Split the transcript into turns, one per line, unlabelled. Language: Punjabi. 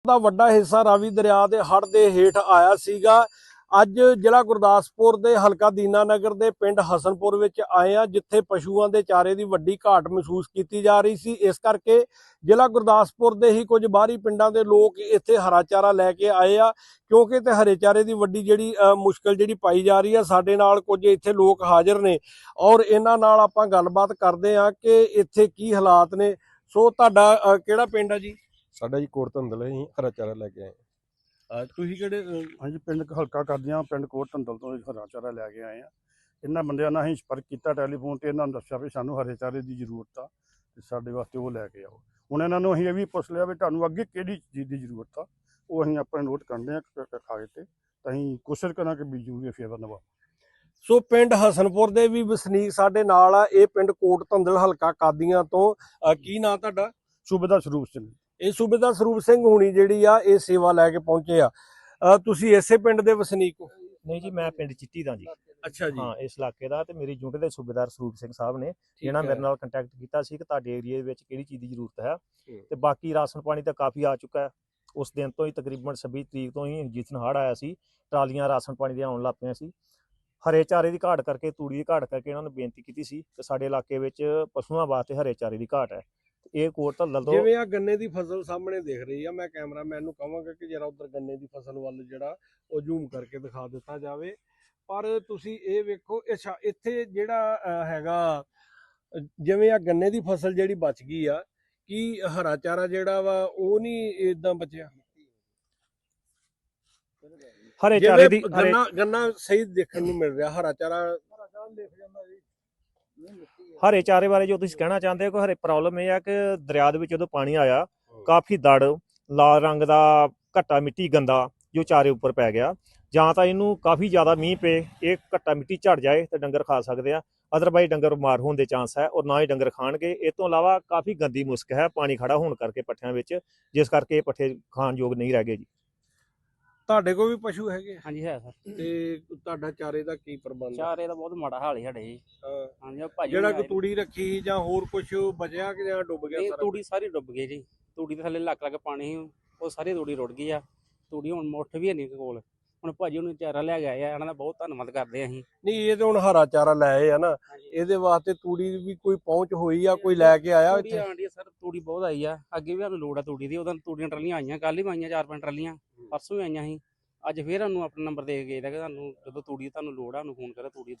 ਦਾ ਵੱਡਾ ਹਿੱਸਾ ਰਾਵੀ ਦਰਿਆ ਦੇ ਹੜ੍ਹ ਦੇ ਹੇਠ ਆਇਆ ਸੀਗਾ। ਅੱਜ ਜ਼ਿਲ੍ਹਾ ਗੁਰਦਾਸਪੁਰ ਦੇ ਹਲਕਾ ਦੀਨਾਨਗਰ ਦੇ ਪਿੰਡ ਹਸਨਪੁਰ ਵਿੱਚ ਆਏ ਆ, ਜਿੱਥੇ ਪਸ਼ੂਆਂ ਦੇ ਚਾਰੇ ਦੀ ਵੱਡੀ ਘਾਟ ਮਹਿਸੂਸ ਕੀਤੀ ਜਾ ਰਹੀ ਸੀ। ਇਸ ਕਰਕੇ ਜ਼ਿਲ੍ਹਾ ਗੁਰਦਾਸਪੁਰ ਦੇ ਹੀ ਕੁਝ ਬਾਹਰੀ ਪਿੰਡਾਂ ਦੇ ਲੋਕ ਇੱਥੇ ਹਰਾ ਚਾਰਾ ਲੈ ਕੇ ਆਏ ਆ, ਕਿਉਂਕਿ ਤੇ ਹਰੇ ਚਾਰੇ ਦੀ ਵੱਡੀ ਜਿਹੜੀ ਮੁਸ਼ਕਲ ਜਿਹੜੀ ਪਾਈ ਜਾ ਰਹੀ ਆ। ਸਾਡੇ ਨਾਲ ਕੁਝ ਇੱਥੇ ਲੋਕ ਹਾਜ਼ਰ ਨੇ ਔਰ ਇਹਨਾਂ ਨਾਲ ਆਪਾਂ ਗੱਲਬਾਤ ਕਰਦੇ ਆ ਕਿ ਇੱਥੇ ਕੀ ਹਾਲਾਤ ਨੇ। ਸੋ ਤੁਹਾਡਾ ਕਿਹੜਾ ਪਿੰਡ ਆ ਜੀ?
ਸਾਡਾ ਜੀ ਕੋਟ ਧੰਦਲ ਅਸੀਂ ਹਰਾ ਚਾਰਾ ਲੈ ਕੇ ਆਏ।
ਤੁਸੀਂ ਕਿਹੜੇ?
ਹਾਂਜੀ, ਪਿੰਡ ਹਲਕਾ ਕਰਦਿਆਂ ਪਿੰਡ ਕੋਟ ਧੰਦਲ ਤੋਂ ਹਰਾ ਚਾਰਾ ਲੈ ਕੇ ਆਏ ਆ। ਇਹਨਾਂ ਬੰਦਿਆਂ ਨਾਲ ਅਸੀਂ ਸੰਪਰਕ ਕੀਤਾ ਟੈਲੀਫੋਨ ਤੇ, ਇਹਨਾਂ ਨੂੰ ਦੱਸਿਆ ਵੀ ਸਾਨੂੰ ਹਰੇ ਚਾਰੇ ਦੀ ਜ਼ਰੂਰਤ ਆ ਤੇ ਸਾਡੇ ਵਾਸਤੇ ਉਹ ਲੈ ਕੇ ਆਓ। ਹੁਣ ਇਹਨਾਂ ਨੂੰ ਅਸੀਂ ਇਹ ਵੀ ਪੁੱਛ ਲਿਆ ਵੀ ਤੁਹਾਨੂੰ ਅੱਗੇ ਕਿਹੜੀ ਚੀਜ਼ ਦੀ ਜ਼ਰੂਰਤ ਆ, ਉਹ ਅਸੀਂ ਆਪਣੇ ਨੋਟ ਕਰਦੇ ਆ ਕਾਗਜ਼ ਤੇ, ਤਾਂ ਅਸੀਂ ਕੋਸ਼ਿਸ਼ ਕਰਾਂਗੇ ਵੀ ਜ਼ਰੂਰੀ ਫੇਵਰ ਨਵਾ।
ਸੋ ਪਿੰਡ ਹਸਨਪੁਰ ਦੇ ਵੀ ਵਸਨੀਕ ਸਾਡੇ ਨਾਲ ਆ। ਇਹ ਪਿੰਡ ਕੋਟ ਧੰਦਲ ਹਲਕਾ ਕਾਦੀਆਂ ਤੋਂ। ਕੀ ਨਾਂ ਤੁਹਾਡਾ?
ਸੂਬੇਦਾਰ ਸਰੂਪ ਸਿੰਘ।
ਇਹ ਸੂਬੇਦਾਰ ਸਰੂਪ ਸਿੰਘ ਹੁਣੀ ਜਿਹੜੀ ਆ ਇਹ ਸੇਵਾ ਲੈ ਕੇ ਪਹੁੰਚੇ ਆ। ਤੁਸੀਂ ਇਸੇ ਪਿੰਡ ਦੇ ਵਸਨੀਕ ਹੋ?
ਨਹੀਂ ਜੀ, ਮੈਂ ਪਿੰਡ ਚਿੱਟੀ ਦਾ ਜੀ।
ਅੱਛਾ ਜੀ।
ਹਾਂ, ਇਸ ਇਲਾਕੇ ਦਾ। ਤੇ ਮੇਰੀ ਯੂਨਿਟ ਦੇ ਸੂਬੇਦਾਰ ਸਰੂਪ ਸਿੰਘ ਸਾਹਿਬ ਨੇ ਇਹਨਾਂ ਮੇਰੇ ਨਾਲ ਕੰਟੈਕਟ ਕੀਤਾ ਸੀ ਕਿ ਤੁਹਾਡੇ ਏਰੀਆ ਵਿੱਚ ਕਿਹੜੀ ਚੀਜ਼ ਦੀ ਜ਼ਰੂਰਤ ਹੈ। ਤੇ ਬਾਕੀ ਰਾਸ਼ਨ ਪਾਣੀ ਤਾਂ ਕਾਫੀ ਆ ਚੁੱਕਾ ਹੈ। ਉਸ ਦਿਨ ਤੋਂ ਹੀ ਤਕਰੀਬਨ 26 ਤਰੀਕ ਤੋਂ ਹੀ ਜਿਸ ਦਿਨ ਹੜ੍ਹ ਆਇਆ ਸੀ, ਟਰਾਲੀਆਂ ਰਾਸ਼ਨ ਪਾਣੀ ਦੀਆਂ ਆਉਣ ਲੱਗ ਪਈਆਂ ਸੀ। ਹਰੇ ਚਾਰੇ ਦੀ ਘਾਟ ਕਰਕੇ, ਤੂੜੀ ਦੀ ਘਾਟ ਕਰਕੇ ਇਹਨਾਂ ਨੂੰ ਬੇਨਤੀ ਕੀਤੀ ਸੀ ਕਿ ਸਾਡੇ ਇਲਾਕੇ ਵਿੱਚ ਪਸ਼ੂਆਂ ਵਾਸਤੇ ਹਰੇ ਚਾਰੇ ਦੀ ਘਾਟ ਹੈ। ਇਹ ਕੋਟ ਧੰਦਲ ਤੋਂ
ਜਿਵੇਂ ਆ ਗੰਨੇ ਦੀ ਫਸਲ ਸਾਹਮਣੇ ਦਿਖ ਰਹੀ ਆ, ਮੈਂ ਕੈਮਰਾਮੈਨ ਨੂੰ ਕਹਾਂਗਾ ਕਿ ਜਰਾ ਉਧਰ ਗੰਨੇ ਦੀ ਫਸਲ ਵੱਲ ਜਿਹੜਾ ਉਹ ਜ਼ੂਮ ਕਰਕੇ ਦਿਖਾ ਦਿੱਤਾ ਜਾਵੇ। ਪਰ ਤੁਸੀਂ ਇਹ ਵੇਖੋ, ਅੱਛਾ ਇੱਥੇ ਜਿਹੜਾ ਹੈਗਾ, ਜਿਵੇਂ ਆ ਗੰਨੇ ਦੀ ਫਸਲ ਜਿਹੜੀ ਬਚ ਗਈ ਆ, ਕੀ ਹਰਾ ਚਾਰਾ ਜਿਹੜਾ ਵਾ ਉਹ ਨਹੀਂ ਇਦਾਂ ਬਚਿਆ?
ਹਰੇ ਚਾਰੇ ਦੀ
ਗੰਨਾ ਸਹੀ ਦੇਖਣ ਨੂੰ ਮਿਲ ਰਿਹਾ, ਹਰਾ ਚਾਰਾ
ਹਰੇ ਚਾਰੇ ਬਾਰੇ ਜੋ ਤੁਸੀਂ ਕਹਿਣਾ ਚਾਹੁੰਦੇ ਹੋ ਕਿ ਹਰੇ ਪ੍ਰੋਬਲਮ ਇਹ ਆ ਕਿ ਦਰਿਆ ਦੇ ਵਿੱਚ ਜਦੋਂ ਪਾਣੀ ਆਇਆ, ਕਾਫੀ ਦੜ, ਲਾਲ ਰੰਗ ਦਾ ਘੱਟਾ ਮਿੱਟੀ ਗੰਦਾ ਜੋ ਚਾਰੇ ਉੱਪਰ ਪੈ ਗਿਆ। ਜਾਂ ਤਾਂ ਇਹਨੂੰ ਕਾਫੀ ਜ਼ਿਆਦਾ ਮੀਂਹ ਪਏ, ਇਹ ਘੱਟਾ ਮਿੱਟੀ ਝੜ ਜਾਏ ਤਾਂ ਡੰਗਰ ਖਾ ਸਕਦੇ ਆ, ਅਦਰਵਾਈਜ਼ ਡੰਗਰ ਬਿਮਾਰ ਹੋਣ ਦੇ ਚਾਂਸ ਹੈ ਔਰ ਨਾ ਹੀ ਡੰਗਰ ਖਾਣਗੇ। ਇਹ ਤੋਂ ਇਲਾਵਾ ਕਾਫੀ ਗੰਦੀ ਮੁਸ਼ਕ ਹੈ ਪਾਣੀ ਖੜਾ ਹੋਣ ਕਰਕੇ ਪੱਠਿਆਂ ਵਿੱਚ, ਜਿਸ ਕਰਕੇ ਇਹ ਪੱਠੇ ਖਾਣ ਯੋਗ ਨਹੀਂ ਰਹਿ ਗਏ ਜੀ।
ਤੁਹਾਡੇ ਕੋਲ ਵੀ ਪਸ਼ੂ ਹੈਗੇ?
ਹਾਂਜੀ ਹੈ ਸਰ।
ਤੇ ਤੁਹਾਡਾ ਚਾਰੇ ਦਾ ਕੀ ਪ੍ਰਬੰਧ?
ਚਾਰੇ ਦਾ ਬਹੁਤ ਮਾੜਾ ਹਾਲ ਹੈ ਸਾਡੇ ਜੀ। ਹਾਂਜੀ, ਭਾਜੀ
ਜਿਹੜਾ ਕਿ ਤੂੜੀ ਰੱਖੀ ਜਾਂ ਹੋਰ ਕੁਝ ਬਚਿਆ ਕਿ ਜਾਂ ਡੁੱਬ ਗਿਆ ਸਾਰਾ?
ਤੂੜੀ ਸਾਰੀ ਡੁੱਬ ਗਈ ਜੀ। ਤੂੜੀ ਦੇ ਥੱਲੇ ਲੱਕ ਪਾਣੀ ਸੀ, ਉਹ ਸਾਰੀ ਤੂੜੀ ਰੁੜ ਗਈ ਆ। ਤੂੜੀ ਹੁਣ ਮੁੱਠ ਵੀ ਨਹੀਂ ਕੋਲ। ਹੁਣ ਭਾਜੀ ਉਹਨੂੰ ਚਾਰਾ ਲੈ ਕੇ ਆਏ ਆ, ਇਹਨਾਂ ਦਾ ਬਹੁਤ ਧੰਨਵਾਦ ਕਰਦੇ ਆ ਅਸੀਂ।
ਨਹੀਂ, ਇਹ ਤਾਂ ਹੁਣ ਹਰਾ ਚਾਰਾ ਲੈ ਆਏ ਆ ਨਾ, ਇਹਦੇ ਵਾਸਤੇ ਤੂੜੀ ਵੀ ਕੋਈ ਪਹੁੰਚ ਹੋਈ ਆ, ਕੋਈ ਲੈ ਕੇ ਆਇਆ ਇੱਥੇ?
ਆਂਡੀ ਸਰ, ਤੂੜੀ ਬਹੁਤ ਆਈ ਆ। ਅੱਗੇ ਵੀ ਸਾਨੂੰ ਲੋੜ ਆ ਤੂੜੀ ਦੀ। ਉਹਦਾਂ ਤੂੜੀਆਂ ਟਰਾਲੀਆਂ ਆਈਆਂ, ਕੱਲ ਹੀ ਆਈਆਂ 4-5 ਟਰਾਲੀਆਂ, ਪਰਸੋਂ ਵੀ ਆਈਆਂ ਸੀ। ਅੱਜ ਫੇਰ ਸਾਨੂੰ ਆਪਣਾ ਨੰਬਰ ਦੇ ਕੇ ਗਏ ਕਿ ਤੁਹਾਨੂੰ ਜਦੋਂ ਤੂੜੀ ਤੁਹਾਨੂੰ ਲੋੜ ਆ ਉਹਨੂੰ ਫੋਨ ਕਰੋ, ਤੂੜੀ